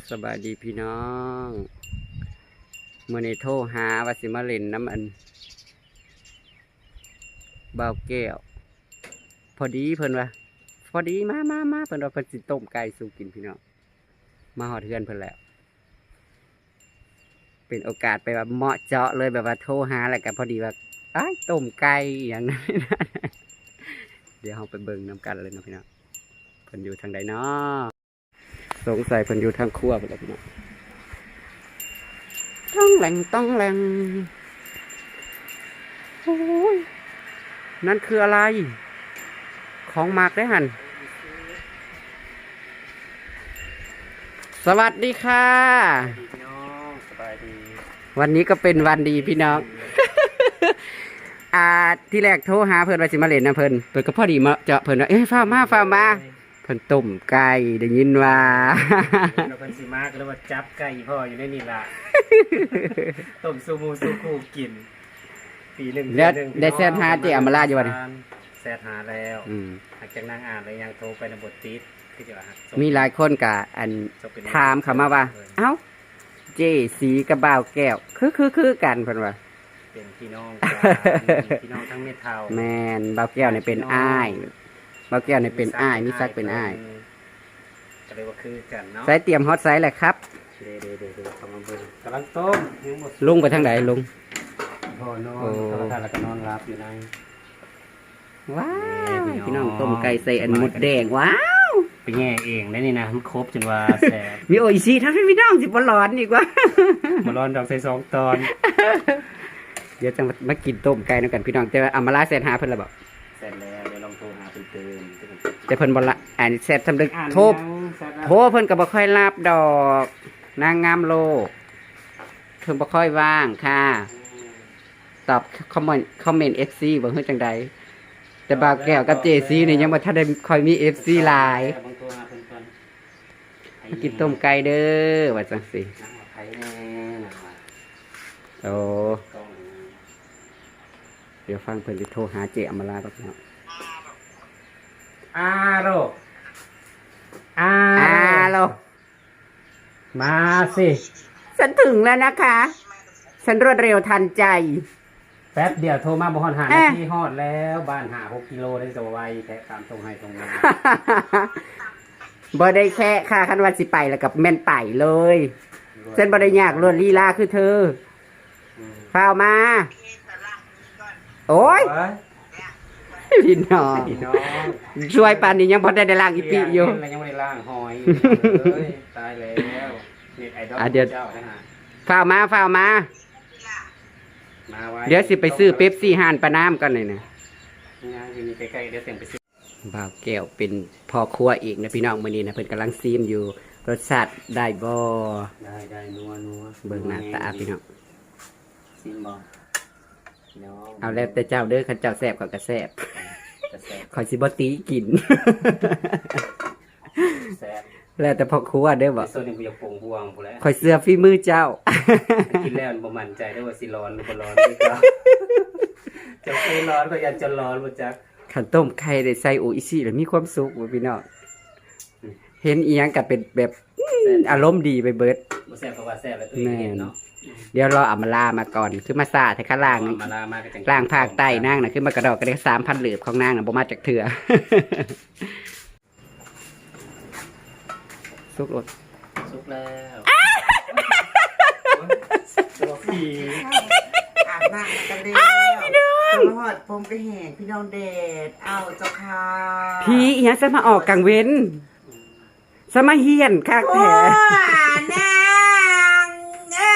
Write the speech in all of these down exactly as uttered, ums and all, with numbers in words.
สบายดีพี่น้องเมื่อในโทรหาว่าสิมาเล่นน้ำอันเบาแก้วพอดีเพิ่นว่าพอดีมามามาเพิ่นว่าเพิ่นสิต้มไก่สู่กินพี่น้องมาหอดเทือนเพิ่นแล้วเป็นโอกาสไปแบบเหมาะเจาะเลยแบบว่าโทรหาอะไรกันพอดีว่าไอ้ต้มไก่อย่างนั้น เดี๋ยวเราไปเบิ่งน้ำกันเลยนะพี่น้องเพิ่นอยู่ทางใดเนาะสงสัยเพิ่นอยู่ทางครัวไปแล้วพี่น้องต้องแหลงต้องแหลงโอ้ยนั่นคืออะไรของมากได้หันสวัสดีค่ะพี่น้องสบายดีวันนี้ก็เป็นวันดีพี่น้อง อ่าที่แรกโทรหาเพิ่นว่าสิมาเล่นนะเพิ่นเพิ่นก็พอดีมาเจาะเพิ่นว่าเอ้ยฟ้ามาฟ้ามาเพิ่นต้มไก่ได้ยินว่าเราเพิ่นสิมาก็เลยว่าจับไก่พ่ออยู่ในนี่ล่ะ ต้มซูมูซูคูกินปีหนึ่งแล้วได้แซดหาเจอมาลาอยู่บ่นี่แซดหาแล้วอืมหลังจากนั่งอ่านแล้วยังโทรไปในบทติดคือจะว่ามีหลายคนก็อันถามเข้ามาว่าเอ้าเจสีกับบ่าวแก้วคือคือคือกันเพิ่นว่าเป็นพี่น้องกันพี่น้องทั้งเม็ดเทาแม่นบ่าวแก้วนี่เป็นอ้ายบ่าวแก้วนี่เป็นอ้ายมีซักเป็นอ้ายก็เลยว่าคือกันเนาะใส่เตรียมฮอตไซส์แหละครับเด้ๆๆๆทำมาเบิ่งกำลังต้มยังหมดลุงไปทางไหนลุงพ่อนอนโทรทัศน์แล้วก็นอนรับอยู่ในว้าวพี่น้องต้มไก่ใส่อันหมดแดงว้าวไปแง่เองได้นี่นะมันครบจนว่าแซ่บมีโออิชิทั้งพี่น้องสิบ่ร้อนอีกว่าบ่ร้อนดอกใส่สองตอนเดี๋ยวจะมากินต้มไก่นำกันพี่น้องแต่ว่าอามาลาแซนหาเพิ่นละบ่แซ่บแล้วเดี๋ยวลองโทรหาเพิ่นเติมแต่เพิ่นบ่ละอันแซ่บสำเร็จโทรโทรเพิ่นก็บ่ค่อยรับดอกนางงามโลกเพิ่นบ่ค่อยว่างค่ะตอบคอมเมนต์คอมเมนต์ เอฟ ซี บ่ฮู้จังใดแต่บ่าวแก้วกับ เจ ซี นี่ยังบ่ทันได้ค่อยมี เอฟ ซี หลายกินต้มไก่เด้อว่าจังซี่โอ้เดี๋ยวฟังเพิ่นสิโทรหาเจอมราครับเนาะอาโรอาโลมาสิฉันถึงแล้วนะคะฉันรวดเร็วทันใจแป๊บเดียวโทรมาบ่ฮอดหานาทีฮอดแล้วบ้านหาหกกิโลได้จะไวแค่ตามตรงให้ตรงมาบ่ได้แค่ค่ะคันว่าสิไปแล้วกับแม่นไปเลยฉันบ่ได้ยากรวดลีลาคือเธอข้าวมาโอ้ยพี่น้องช่วยปานนี้ยังพอได้ได้ล่างอีปีอยู่ยังไม่ได้ล่างหอยตายแล้วเน็ตไอดอลเจ้านะฮะข้าวมาข้าวมาเดี๋ยวสิไปซื้อเป๊ปซี่ห่านปลาน้ำกันเลยนะมีใกล้ๆเดี๋ยวเสียงไปซื้อบ่าวแก้วเป็นพ่อครัวอีกนะพี่น้องมื้อนี้นะเพิ่นกำลังซีมอยู่รสชาติได้บ่ได้ได้นัวนัวเบิ่งหน้าตาพี่น้องซีมบ่เอาแล้วแต่เจ้าเด้อคันเจ้าแซ่บก็กระแซ่บขอยสิบ่ตีกินแซ่บแล้วแต่พ่อครัวเด้อบ่ส่วนนึงกูอยากปรุงห่วงพุ่นแหละขอยเสื้อฝีมือเจ้ากินแล้วบ่มั่นใจได้ว่าสิร้อนหรือบ่ร้อนคือเก่าจะเคยร้อนก็ยันจะร้อนบ่จักขันต้มไข่ได้ใส่โออิชิแล้วมีความสุขบ่พี่น้องเห็นอีหยังก็เป็นแบบอารมณ์ดีไปเบิดบ่แซ่บเพราะว่าแซ่บแล้วตัวเองเนาะเดี๋ยวรออามาลามาก่อนคือมาซาแต่ข้างล่างล่างภาคใต้นางน่ะคือมากระดอกกระเดกสามพันเหลือบของนางน่ะบ่มาจากเถื่อสุกรสสุกแล้วตัวผีอาบน้ำกันเด้อหอดผมไปแห่พี่น้องเดชเอาเจ้าค่ะพี่อีหยังจะมาออกกลางเว้นสมาเฮียนคักแท้นางเอ้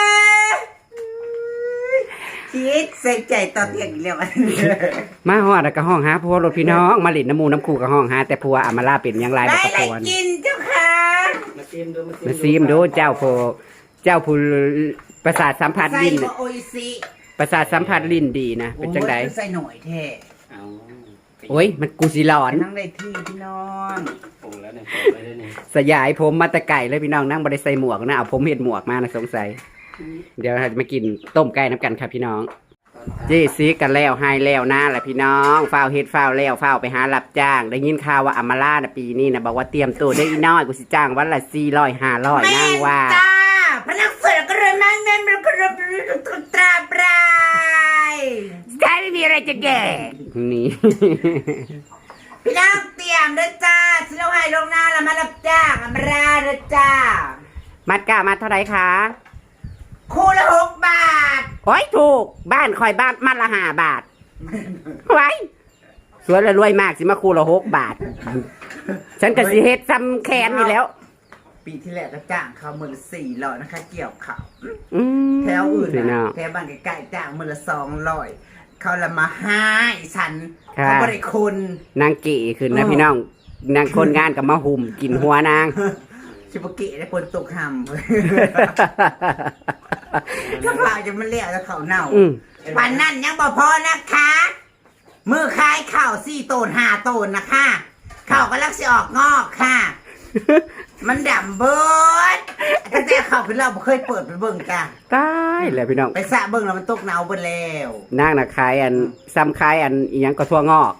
คิดใส่ใจตอนเที่ยงแล้วมาฮอดแล้วก็ห้องหาผัวรถพี่น้องมาเล่นน้ำมูน้ำคู่กับห้องหาแต่ผัวอามาลาเป็นยังไรบ่กระปวนกินเจ้าค่ะมาซีมดูมาซีมดูเจ้าผู้เจ้าผู้ประสาทสัมผัสลิ้นประสาทสัมผัสลิ้นดีนะเป็นจังได๋ใส่หน่อยแท้เอาโอ้ยมันกูสิร้อนนั่งได้ที่พี่น้องปรุงแล้วเนี่ยไปได้นี่สยายผมมาแต่ไก่เลยพี่น้องนั่งบ่ได้ใส่หมวกนะเอาผมเฮ็ดหมวกมานะสงสัยเดี๋ยวเราจะมากินต้มไก่น้ำกันครับพี่น้องจีซีกันแล้วให้แล้วนะแหละพี่น้องฝ้าวเฮ็ดฝ้าวแล้วฝ้าวไปหารับจ้างได้ยินข่าวว่าอำมาลาน่ะปีนี้นะบอกว่าเตรียมตัวได้อีน้อยกูสิจ้างวันละสี่ร้อยห้าร้อยนางว่าจ้าพนักเสิร์ฟก็เริ่มนั่งเงินมันก็เริ่มตราบรายใช่ไม่มีอะไรจะแก่นี่พี่น้องเตรียมด้วยจ้าสิเราให้ลงหน้าแล้วมารับจ้างอำมาลาด้วยจ้ามัดกะมัดเท่าไหร่คะคู่ละหกบาทโอ้ยถูกบ้านคอยบ้านมัดละห้าบาทไว้สวยและรวยมากสิมาคูละหกบาท ฉันก็สิเฮ็ดซ้ำแคนนี่แล้วปีที่แล้วก็จ้างเขาหมื่นละสี่ร้อยนะคะ เกี่ยวเขาอืมแถวอื่นสินะเนาะแถวบ้านใกล้ๆจ้างหมื่นละสองร้อยเขาละมาให้ฉันค่ะเขาบริคุณนางเก๋ขึ้นนะพี่น้องนางคนงานกับมาหุ่มกินหัวนางชิบุกิได้ปนตกหำถ้าเราจะมาเลี้ยงแล้วเขาเน่าอืมวันนั้นยังบ่พอนะคะมือคายเข่าสี่โตนห้าโตนนะคะเข่าก็ลักสิออกงอกค่ะ มันดำเบิดตั้งแต่เข่าขึ้นเราบ่เคยเปิดไปเบิ่งจ้ะตายแล้วพี่น้องไปสระเบิ่งแล้วมันตกเน่าเบิดแล้วนางน่ะขายอันซ้ำขายอันอีหยังก็ทั่วงอก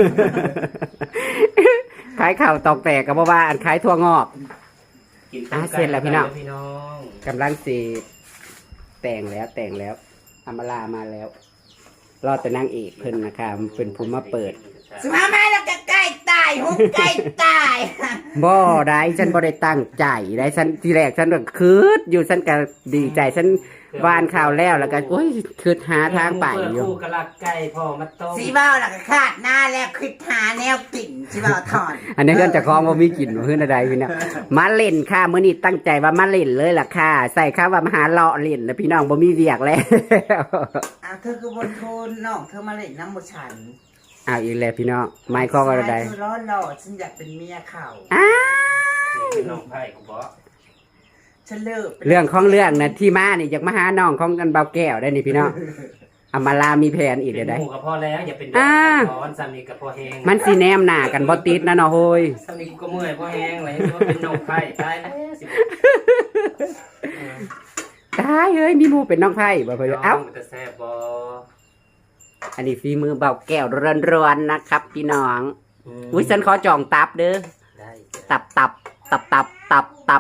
ขายข้าวตอกแตกก็บ่ว่าอันขายทั่วงอกกินอ่ะเสร็จแล้วพี่น้องพี่น้องกำลังสิแต่งแล้วแต่งแล้วอำมาลามาแล้ว รอแต่นางเอกเพิ่นนะคะมันเป็นผู้มาเปิดสุมามาแล้วก็ใกล้ตายหุบใกล้ตายบ่ได้ฉันบ่ได้ตั้งใจได้ฉันทีแรกฉันก็คืดอยู่ฉันก็ดีใจฉันวานข่าวแล้วแล้วก็โอ้ยคืดหาทางไปอยู่คู่กะลักไก่พ่อมาต้มสีเบ้าแล้วก็คาดหน้าแล้วคิดหาแนวกลิ่นสีเบ้าถอนอันนี้เพื่อนจะคล้องว่ามีกลิ่นเพื่อนอะไรพี่น้องมาเล่นค่ะมื้อนี้ตั้งใจว่ามาเล่นเลยล่ะค่ะใส่ข้าวว่ามาหาเลาะเล่นแล้วพี่น้องบ่มีเวียกแล้วอ้าวเธอคือบนโทนน้องเธอมาเล่นน้ำมูฉันอ้าวอีกแล้วพี่น้องไม้ข้อว่าอะไรเธอร้อนหล่อฉันอยากเป็นเมียเขาอ้าเป็นน้องไผ่กูบอกฉันเลิกเรื่องของเรื่องนะที่มานี่อยากมาหาน้องของกันเบาแก้วได้นี่พี่น้องอำมาลามีแผนอีกเป็เดี๋ยวได้นหมูกับพ่อแล้วอย่าเป็นดอกอ่าร้อนสามีกับพ่อแห้งมันสิแนมหน้ากันบ่ติดนะเนาะโฮยสามีกูก็เมื่อยพ่อแห้งเลยว่าเป็นน้องไผ่ตายแล้วสิตายเอ้ยมีหมู่เป็นน้องไผ่บ่เพิ่นเอ้าแต่แซ่บบ่อันนี้ฝีมือเบาแก้วร้อนๆนะครับ พี่น้องอุ้ยฉันขอจองตับเด้อได้ตับตับตับตับตับตับ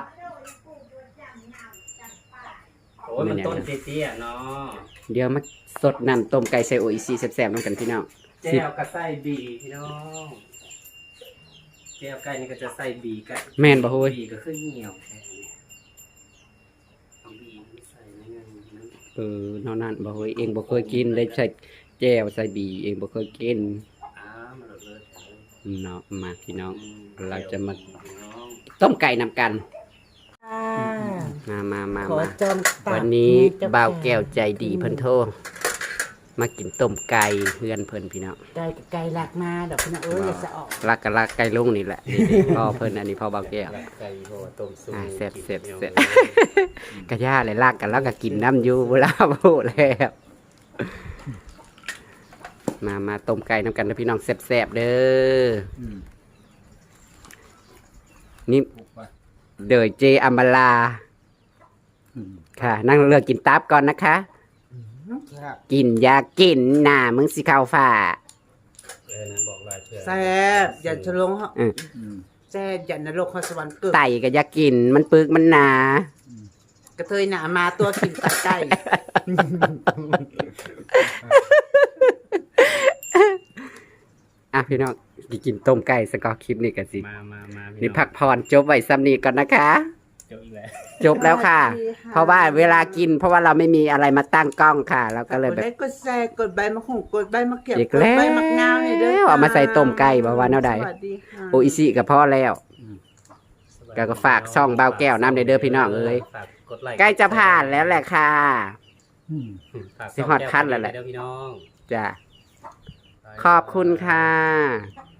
โอ้ยมันต้นเตี้ยๆเนาะเดี๋ยวมาสดน้ำต้มไก่ใส่โออิซีแซ่บๆน้ำกันพี่น้องแจ่วกับไส้บีพี่น้องแจ่วไก่นี่ก็จะใส่บีไก่แม่นบ่โฮยบีก็คือเหนียวแค่นี้เอาบีใส่ในเงินเออนอนนั่นบ่เคยเองบ่เคยกินเลยใส่แจ่วใส่บีเองบ่เคยกินอ้ามันเลิศเลยเนาะมาพี่น้องอืเราจะมาพี่น้องต้มไก่นำกัน มามามาขอมาจองตับวันนี้เจ้าบ่าวแก้วใจดีเพิ่นโทรมากินต้มไก่เพื่อนเพิ่นพี่น้องไก่กับไก่หลักมาดอกพี่น้องเอ้ยอย่าสะออกรักกันรักไก่ลุงนี่แหละนี่ๆพ่อเพิ่นอันนี้พ่อบ่าวแก้วไก่โหต้มซุปอ่าเสร็จเสร็จเสร็จ กระย่าเลยลากกันแล้วก็กินน้ำอยู่เวลาพูดแล้วมามาต้มไก่น้ำกันนะพี่น้องแซ่บๆเด้ออนี่เดยเจอัมบาลาค่ะ นั่งเลือกกินตับก่อนนะคะ กินอยากินหน้ามึงสิเข้าฝ่าเออนะบอกลายเพื่อนแซ่บอย่าทะลงเหาะอืมแซ่บอย่านรกข้อสวรรค์เกิดไตก็อยากินมันปึกมันหนากระเทยหนามาตัวกินตัดไก่อ่ะพี่น้องกินต้มไก่สกอคลิปนี่กันสิมามามาพี่นี่องพักผ่อนจบไว้ซ้ำนี้ก่อนนะคะจบอีกแล้วจบแล้วค่ะ เพราะว่าเวลากิน เพราะว่าเราไม่มีอะไรมาตั้งกล้องค่ะ เราก็เลยกแบดบไลค์กดแชร์กดใบมะขงกดใบมะเขียบอีกกดแล้วใบมะนาวเนี่ยเด้อเอามาใส่ต้มไก่บ่ว่าแนวใดสวัสดีค่ะโออิซิกับพ่อแล้ว ก็ก็ฝากช่องเบาแก้วน้ำเด้อพี่น้องเอ้ยฝากกดไลค์ใกล้จะผ่านแล้วแหละค่ะฝากสิฮอดคันแล้วแหละเด้อพี่น้องจ้ะขอบคุณค่ะบ